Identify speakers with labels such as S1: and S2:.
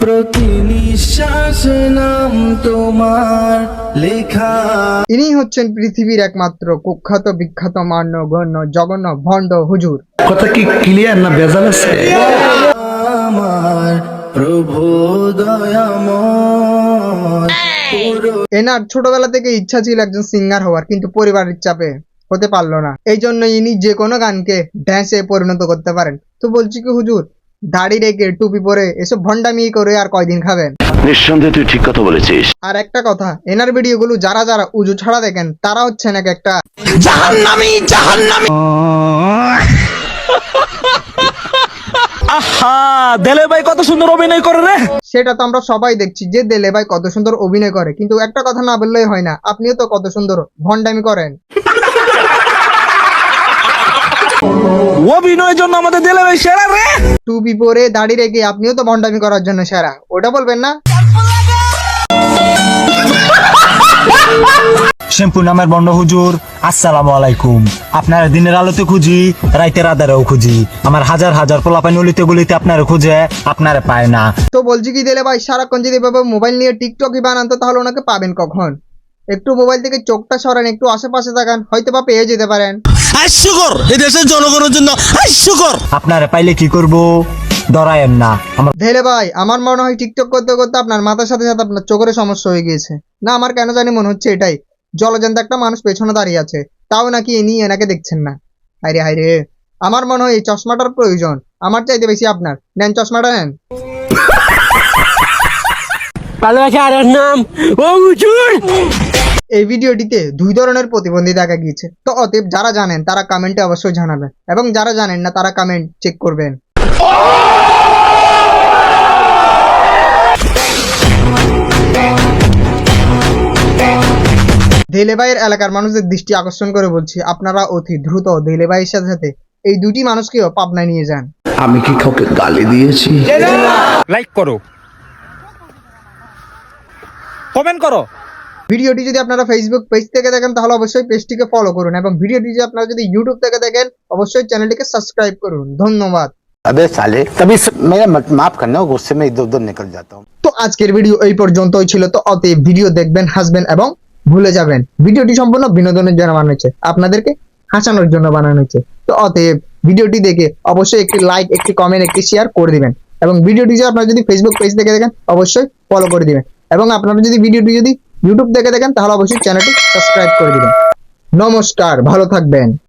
S1: প্রতি নিঃশ্বাসে নাম তোমার লেখা।
S2: ইনি হচ্ছেন পৃথিবীর একমাত্র কুখ্যাত বিখ্যাত মান্য গণ্য জঘন্য ভণ্ড হুজুর।
S3: কথা কি ক্লিয়ার না ভেজাল আছে?
S1: আমার প্রভু দয়াময়।
S2: এনার ছোটবেলা থেকে ইচ্ছা ছিল একজন সিঙ্গার হওয়ার, কিন্তু পরিবারের চাপে হতে পারলো না। এই জন্য ইনি যে কোনো গানকে ড্যান্সে পরিণত করতে পারেন। তো বলছি কি হুজুর, দাড়ি রেখে টুপি পরে এসব ভণ্ডামি করে আর কয়দিন খাবেন?
S4: নিঃসন্দেহে তুই ঠিক কথা বলেছিস।
S2: আর একটা কথা, এনার ভিডিওগুলো যারা যারা উজু ছাড়া দেখেন তারা হচ্ছেন এক একটা
S3: জাহান্নামী জাহান্নামী। আহা, দেলে ভাই কত সুন্দর অভিনয় করে রে।
S2: সেটা তো আমরা সবাই দেখছি যে দেলে ভাই কত সুন্দর অভিনয় করে, কিন্তু একটা কথা না বললেই হয় না, আপনিও তো কত সুন্দর ভণ্ডামি করেন।
S3: অভিনয়ের জন্য আমাদের দেলে ভাই সেরা রে।
S2: টুপি পরে দাড়ি রেখে আপনিও তো ভণ্ডামি করার জন্য সেরা, ওটা বলবেন না?
S5: শ্যাম্পু নামের বন্ড হুজুর, আসসালামু আলাইকুম। আপনার দিনের আলোতে খুঁজি, রাইতের আধারেও খুঁজি। আমার হাজার হাজার পোলাপাইন অলিতে গলিতে আপনারে খুঁজে, আপনারে পায় না।
S2: তো বলছি কি দেলে ভাই, সারাক্ষণ যদি এভাবে মোবাইল নিয়ে টিকটকই বানান তো তাহলে ওনাকে পাবেন কখন? একটু মোবাইল থেকে চোখটা সরান, একটু আশেপাশে তাকান, হয়তো বা পেয়ে যেতে পারেন।
S6: হাস্যকর, এই দেশের জনগণের জন্য হাস্যকর।
S5: আপনারে পাইলে কি করব, ডরায়েন না। আমার
S2: দেলে ভাই, আমার মনে হয় টিকটক করতে করতে আপনার মাথার সাথে সাথে আপনার চোখের সমস্যা হয়ে গিয়েছে। না, আমার কেন জানি মনে হচ্ছে এটাই। জলজান্ত একটা মানুষ পেছনে দাঁড়িয়ে আছে, তাও নাকি ইনি এনাকে দেখছেন না। হাইরে হাইরে, আমার মনে হয় এই চশমাটার প্রয়োজন। আমার চাইতে বেশি আপনার। নেন চশমাটা নেন। এই ভিডিওটিতে দুই ধরনের প্রতিবন্ধী দেখা গিয়েছে। তো অতএব যারা জানেন তারা কমেন্টে অবশ্যই জানাবেন, এবং যারা জানেন না তারা কমেন্ট চেক করবেন। দেলে ভাইয়ের এলাকার মানুষদের দৃষ্টি আকর্ষণ করে বলছি, আপনারা অতি দ্রুত দেলে ভাইয়ের সাথে সাথে এই দুটি মানুষকেও পাবনায় নিয়ে যান।
S3: আমি কি কাউকে গালি দিয়েছি?
S7: লাইক করো, কমেন্ট করো।
S2: ভিডিওটি যদি আপনারা ফেসবুক পেজ থেকে দেখেন তাহলে অবশ্যই পেজটিকে ফলো করুন, এবং ভিডিওটি যদি আপনারা যদি ইউটিউব থেকে দেখেন অবশ্যই চ্যানেলটিকে সাবস্ক্রাইব করুন। ধন্যবাদ।
S8: अबे साले, तभी मेरा माफ करना, गुस्से में इधर उधर निकल जाता हूँ।
S2: তো আজকের ভিডিও এই পর্যন্তই ছিল। তো অতএব ভিডিও দেখবেন, হাসবেন এবং ভুলে যাবেন। ভিডিওটি সম্পূর্ণ বিনোদনের জন্য বানানো হয়েছে, আপনাদেরকে হাসানোর জন্য বানানো হয়েছে। তো অতএব ভিডিওটি দেখে অবশ্যই একটি লাইক, একটি কমেন্ট, একটি শেয়ার করে দিবেন, এবং ভিডিওটি যদি আপনারা যদি ফেসবুক পেজ থেকে দেখেন অবশ্যই ফলো করে দিবেন, এবং আপনারা যদি ভিডিওটি যদি ইউটিউব থেকে দেখেন তাহলে অবশ্যই চ্যানেলটি সাবস্ক্রাইব করে দিবেন। নমস্কার, ভালো থাকবেন।